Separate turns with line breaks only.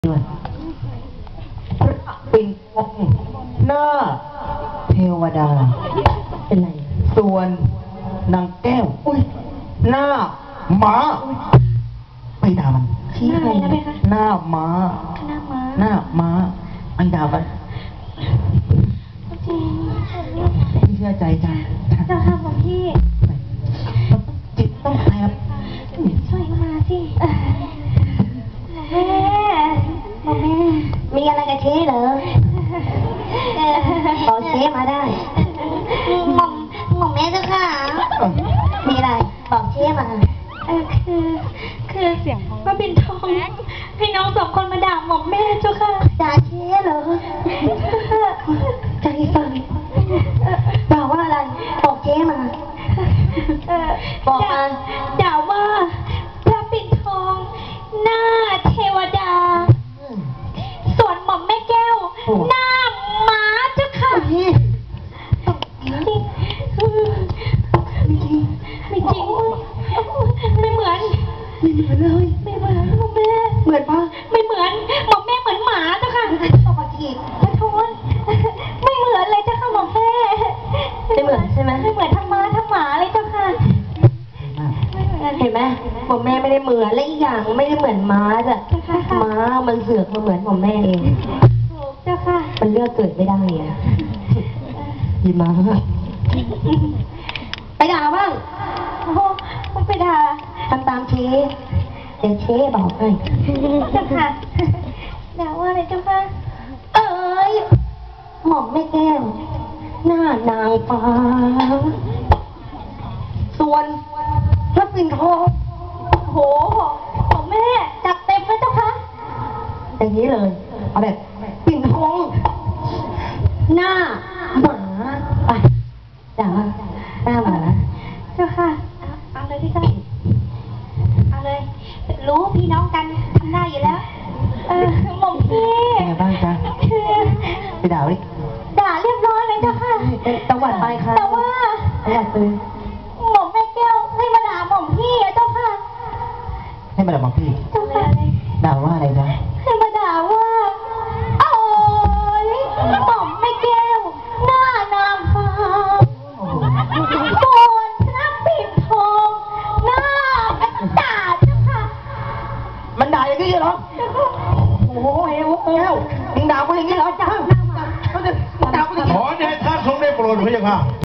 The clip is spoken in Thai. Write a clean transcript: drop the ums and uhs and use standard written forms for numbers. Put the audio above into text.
ด้วยปิ่นทองหน้าเทวดาเป็นไรส่วนนางแก้วหน้าม้าไปด่ามัน
ชี้อะไรนะเบคะ
หน้าม้าหน้าม้าไปด่ามันพี่เชื่อใจจ้ะ
เจ้าค่ะของพี่
จิตต้องแอบ
ช่วยมาสิแม่บอกแม่มีอะไรกับเช้เหรอบอกเช้มาได้หม่อมแม่เจ้าค่ะมีอะไรบอกเช้มาคือเสียงของมาบินทองให้น้องสองคนมาด่าหม่อมแม่เจ้าค่ะด่าเช้เหรอใจสั่นบอกว่าอะไรบอกเช้มาบอกมาด่าว่าพระปิ่นทองหน้าเทวดาส่วนหม่อมแม่แก้วหน้าม้าเจ้าค่ะไม่จริงไม่เหมือนเลยไม่เหมือนหม่อมแม่เหมือนปะไม่เหมือนหม่อมแม่เหมือนหมาเจ้าค่ะปกติขอโทษไม่เหมือนเลยเจ้าค่ะหม่อมแม่ไม่เหมือนใช่ไหมไม่เหมือนทั้งม้าทั้งหมาเลยเจ้าค่ะเห็นไหมหม่อมแม่ไม่ได้เหมือนและอีกอย่างไม่ได้เหมือนม้าจ้ะม้ามันเสือกมาเหมือนหม่อมแม่เองเจ้าค่ะมันเลือกเกิดไม่ได้อะยีม้าไปด่าบ้างโอ้ไปด่าทำตามเชเดี๋ยวเชบอกให้เจ้าค่ะด่าว่าอะไรเจ้าค่ะเอ้ยหม่อมแม่แก้วหน้านางฟ้าส่วนพระปิ่นทองโหของแม่จัดเต็มเลยเจ้าค่ะอย่างนี้เลยเอาแบบปิ่นทองหน้าหมาไปด่าหน้าหมาเจ้าค่ะเอาเลยพี่เจ้าเอาเลยรู้พี่น้องกันทำได้อยู่แล้วหม่อมพี่
เป็นไงบ้างจ๊ะไปด่าดิ
ด่าเรียบร้อยเลยเจ้าค่ะ
ตะวันไปค่ะ
แต่ว่า
ตะวันไป
หม่อมแม่แก้วให้มาด่าหม่อมพี่เจ้าค่ะ
ให้มาด่าหม่อมพี่
เจ้าค่ะ
ด่าว่าอะไรจ๊ะ
ให้มาด่าว่าโอ้ยหม่อมแม่แก้วหน้านางฟ้าส่วนพระปิ่นทองหน้าด่าเจ้าค่ะ
มันด่าอย่างนี้เหรอโอ้โหเฮ้ยแก้วมึงด่ากูอย่างนี้เหรอจ้า
ขอเดชะทรงได้โปรดพระเจ้าค่ะ